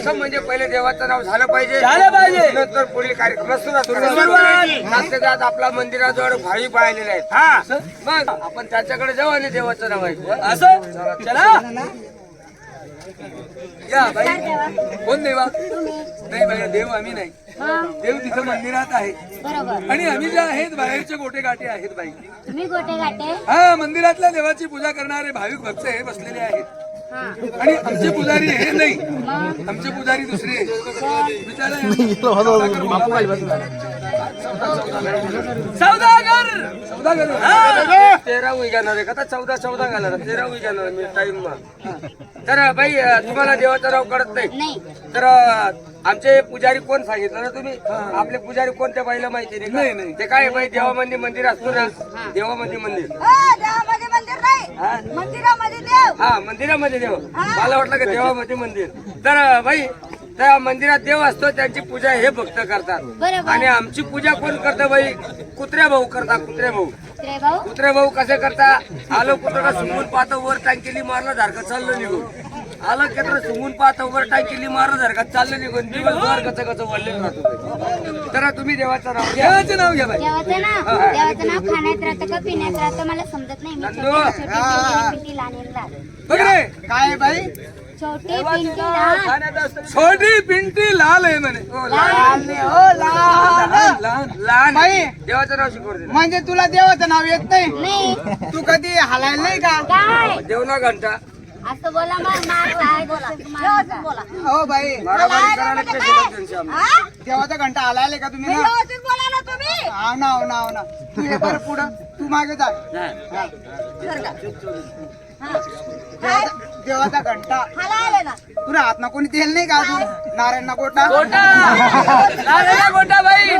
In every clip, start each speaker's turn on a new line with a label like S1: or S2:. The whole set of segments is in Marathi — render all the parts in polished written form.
S1: प्रथम म्हणजे पहिले देवाचं नाव झालं पाहिजे, नंतर पुढील कार्यक्रम सुरुवात जात आपला मंदिराजवळ भावी पाहिलेले आहेत.
S2: हा
S1: मग आपण त्याच्याकडे जाऊ आणि देवाचं नाव ऐकू.
S2: असं चला या बाई. कोण देवा? नाही बाई, देव आम्ही नाही. देव तिथं मंदिरात आहे
S3: बरोबर.
S2: आणि आम्ही जे आहेत बाहेरचे गोटे गाठे आहेत बाई.
S3: तुम्ही गोटे गाठे.
S2: हा, मंदिरातल्या देवाची पूजा करणारे भाविक भक्त हे बसलेले आहेत. आणि आमचे पुजारी हे नाही, आमचे पुजारी दुसरे विचारा. सौदागर
S1: 13 उजाणार आहे का? 14 घालणार, 13 उजाणार मी टाइम. तर बाई तुम्हाला देवाचं नाव कळत नाही तर आमचे पुजारी कोण सांगितलं ना तुम्ही? आपले पुजारी कोणत्या बाईला माहिती नाही? नाही ते काय बाई देवामध्ये मंदिर असतो ना, देवामध्ये मंदिर.
S4: देवामध्ये मंदिर नाही, मंदिरामध्ये देव.
S1: हा, मंदिरामध्ये देव. मला वाटलं का देवामध्ये मंदिर. तर बाई त्या मंदिरात देव असतो, त्यांची पूजा हे भक्त करतात. आणि आमची पूजा कोण करतं बाई? कुत्र्या भाऊ करता. कुत्रे भाऊ कसे करता? आलो कुत्रा सुंगून पाहतो, वर टांकेली मारलं धारका चाललं निघून. आलं केत्र सुंगून पाहतो, वर टांकेली मारलं धारका चाललं निघून. दिवसभर कसं वळलेलं राहतो. तर तुम्ही देवाचं नाव घ्या.
S2: देवाचे नाव घ्या बाई.
S3: देवाचं नाव खाण्यात राहतं का पिण्यात राहतं मला समजत नाही. मी छोटी
S2: बघ रे,
S5: काय बाई?
S3: छोटी पिंटी लहान.
S2: छोटी पिंटी लाल आहे म्हणे.
S1: लहान
S5: बाई.
S1: देवाचं नाव शिकवते.
S5: म्हणजे तुला देवाचं नाव येत नाही?
S3: नाही.
S5: तू कधी हलायला नाही का?
S3: काय
S1: देवना घंटा
S3: असं बोला मग बोला.
S5: हो बाई,
S1: मारामारी करायला कशी त्यांची आम्ही.
S5: देवाचा घंटा हलायला का तुम्ही ना?
S4: व्यवस्थित बोला ना तुम्ही.
S5: हा ना, हो ना, हो ना. तू हे बरं पुढं, तू मागे जा. देवाचा घंटा
S4: हाला आले ना.
S5: तुला हात ना कोणी तेल नाही का अजून? नारायण ना गोटा
S2: गोटा बाई,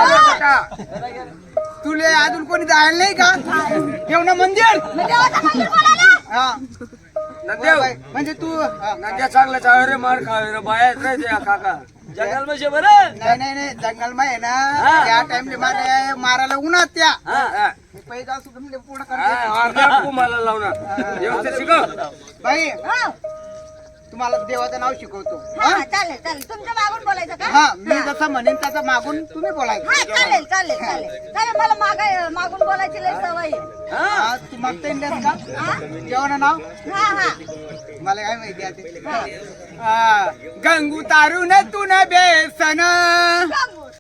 S5: तुले अजून कोणी जायला नाही का? ठेव ना मंदिर.
S4: देवाचं मंदिर बोला ना.
S5: हा
S1: नंदेव
S5: म्हणजे तू
S1: नंद्या चांगलं चाळ रे, मार खावे रे, बाहेर नाही ते काका.
S2: जंगल मध्ये बरं.
S5: नाही जंगल मा आहे ना, त्या टाइमले मारायला उन्हात त्या पैसा असू पूर्ण करते.
S1: मला लावणार व्यवस्थित शिकव
S5: बाई. तुम्हाला देवाचं नाव शिकवतो.
S4: हा चालेल चालेल. तुमच्या मागून बोलायचं का?
S5: हा, मी जसं म्हणेन तसं मागून तुम्ही बोलायचं.
S4: हा चालेल चालेल चालेल चालेल. मला मागून बोलायची लय सवय आहे.
S5: हा, तू मागता येईल का जेवण नाव?
S4: हा हा.
S5: मला काय माहिती आहे ते. गंगू तारून तू न बेसन,
S4: गंगू